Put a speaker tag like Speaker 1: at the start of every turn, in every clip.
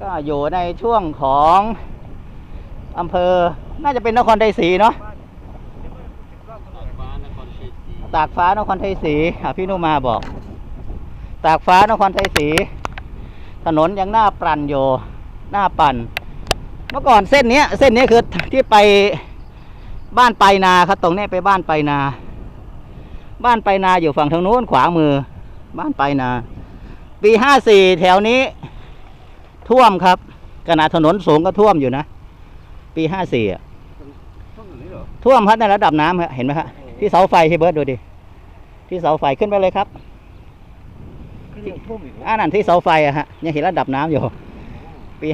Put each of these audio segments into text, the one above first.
Speaker 1: ก็อยู่ในช่วงของอำเภอน่าจะเป็นนครไทยศรีเนาะตากฟ้านครไทยศรีพี่นุมาบอกตากฟ้านครไทยศรีถนนยังหน้าปั่นอยู่หน้าปั่นเมื่อก่อนเส้นนี้คือที่ไปบ้านไปนาครับตรงนี้ไปบ้านไปนาอยู่ฝั่งทางโน้นขวามือบ้านไปนาปี54แถวนี้ท่วมครับขนาดถนนสูงก็ท่วมอยู่นะปี54อ่ะท่วมครับในระดับน้ำเห็นไหมครับที่เสาไฟที่เบิร์ดดูดิที่เสาไฟขึ้นไปเลยครับนั่นที่เสาไฟอะฮะยังเห็นระดับน้ำอยู่ปี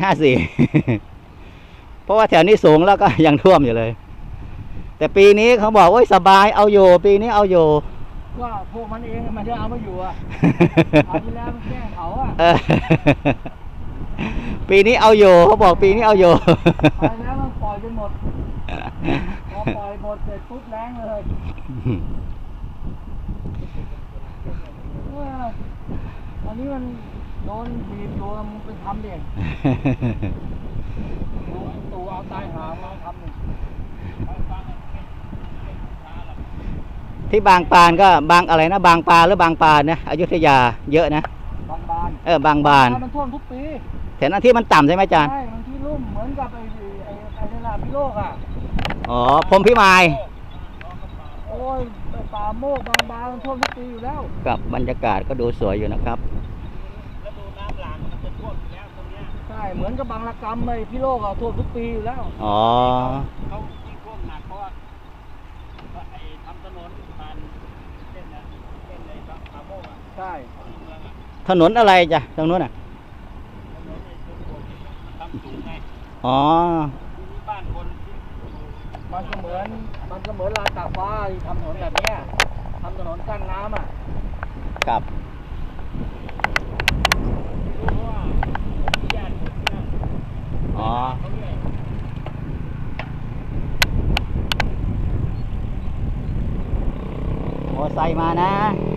Speaker 1: 54เพราะว่าแถวนี้สูงแล้วก็ยังท่วมอยู่เลยแต่ปีนี้เขาบอกว่าสบายเอาอยู่ปีนี้เอาอยู่
Speaker 2: ว่าพวกมันเองมันจะเอามาอยู่อ่ะเอาที่แล้วมันแกล้งเขาอ่ะ
Speaker 1: ปีนี้เอาอยู่เขาบอกปีนี้เอาอยู่
Speaker 2: ไปแล้วมันปล่อยจนหมดพอปล่อยหมดเสร็จปุ๊บแรงเลยตอนนี้มันโดนบีบตัวมันไปทำเองตัวเอาตายหามาทำหนึ่ง
Speaker 1: ที่บางปานก็บางอะไรนะบางปลาหรือบางปานนะอยุธยาเยอะนะ
Speaker 2: บางบาน
Speaker 1: บางบาน
Speaker 2: มันท่วมทุกปี
Speaker 1: แต่นั้นที่มันต่ำใช่ไหมอาจารย์
Speaker 2: ใช่มันที่ลุ่มเหมือนกับไอ้นี่แหละพิโลกอ่ะ
Speaker 1: อ๋อพรหมพิมาย
Speaker 2: โอ้ยป่าโมกบางบานมันท่วมทุกปีอยู่แล้ว
Speaker 1: กับบรรยากาศก็ดูสวยอยู่นะครับ
Speaker 2: แล้วดูน้ำหลากมันจะท่วมอยู่แล้วตรงนี้ใช่เหมือนกับบางระกำไอ้พิโลกอ่ะท่วมทุกปีอยู่แล้ว
Speaker 1: อ๋อ
Speaker 2: เขายิ่งท่วมหนักเพราะว่าไอ้ทำถนนผ่านเส้นในป่าโมกอ่ะใช่
Speaker 1: ถนนอะไรจ้ะตรงนู้นอ่ะอ๋อ
Speaker 2: บ้านคนมันก็เหมือนลานตากฟ้าทำถนนแบบนี้ทำถนนกั้นน้ำอ่ะ
Speaker 1: ครับอ๋อโอ้ใส่มานะ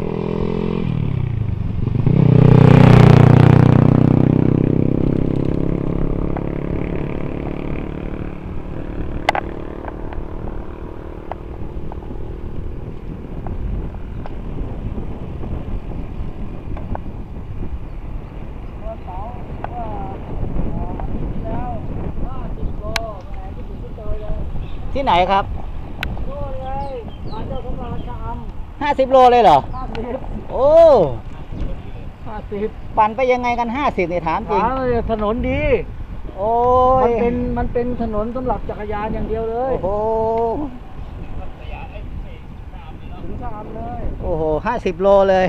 Speaker 1: ที่ไหนครับ
Speaker 2: โน่นเลยมาเจ้าสำราญชะอ
Speaker 1: ำ50 โลเลยเหรอ
Speaker 2: 50
Speaker 1: โอ้
Speaker 2: 50
Speaker 1: ปั่นไปยังไงกัน50เนี่ยถามจริง
Speaker 2: ถนนดี
Speaker 1: โอ้
Speaker 2: ยมันเป็นถนนสำหรับจักรยานอย่างเดียวเลย
Speaker 1: โอ้โห
Speaker 2: ถึงชะอำเลย
Speaker 1: โอ้โห50 โลเลย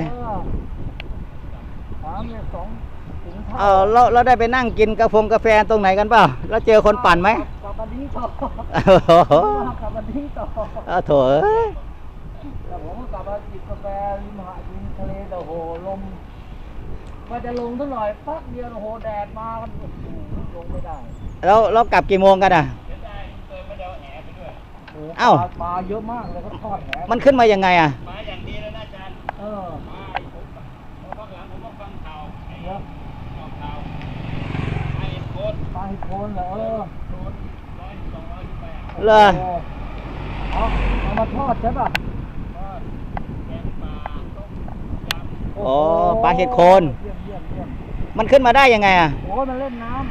Speaker 2: เนี่ย
Speaker 1: เราได้ไปนั่งกินกาแฟตรงไหนกันเปล่าแล้วเจอคนปั่นไหม
Speaker 2: กลับมาดิ้งต่อ
Speaker 1: โถ
Speaker 2: แต่ผมกลับมาจิบกาแฟริมหาดริมทะเลแต่โหลมก็จะลงสักหน่อยพักเดียวโหแดดมากันลงไม่ได้
Speaker 1: แล้วเรากลับกี่โมงกันอ่ะเอ้า
Speaker 2: ปลาเยอะมากเลยเขาทอดแห
Speaker 1: มันขึ้นมายังไงอ่ะ
Speaker 2: มาอย่างดีแล้วนะอาจารย์มาข้างหลังผมก็ฟังข่าวปลาหิโคนเหรอ
Speaker 1: เลย
Speaker 2: เอามาทอดใช่ป่ะ
Speaker 1: โอ้ปลาเห็ดโคนมันขึ้นมาได้ยังไงอ่ะ
Speaker 2: โอ้มันเล่นน้ำ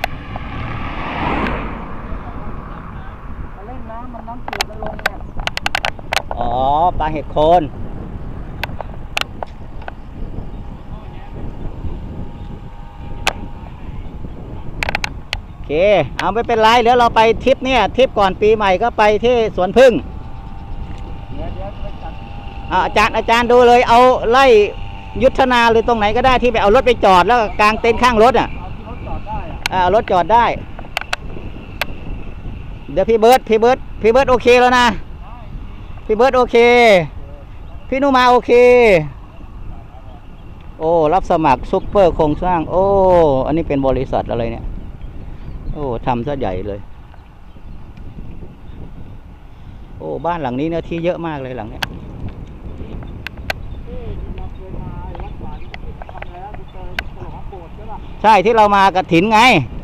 Speaker 2: มันน้ำจืดมันลงเนี่ย
Speaker 1: อ๋อปลาเห็ดโคนโอเคเอาไม่เป็นไรเดี๋ยวเราไปทริปเนี่ยทริปก่อนปีใหม่ก็ไปที่สวนพึ่งอาจารย์ดูเลยเอาไล่ยุทธนาหรือตรงไหนก็ได้ที่ไปเอารถไปจอดแล้วกางเต็นท์ข้างรถอ่ะรถจอดได้เดี๋ยวพี่เบิร์ดโอเคแล้วนะพี่เบิร์ดโอเคพี่นุมาโอเคโอ้รับสมัครซุปเปอร์โครงสร้างโอ้อันนี้เป็นบริษัทอะไรเนี่ยโอ้ทำซะใหญ่เลยโอ้บ้านหลังนี้เนื้อที่เยอะมากเลยหลังเนี้ยใช่ที่เรามากฐินไง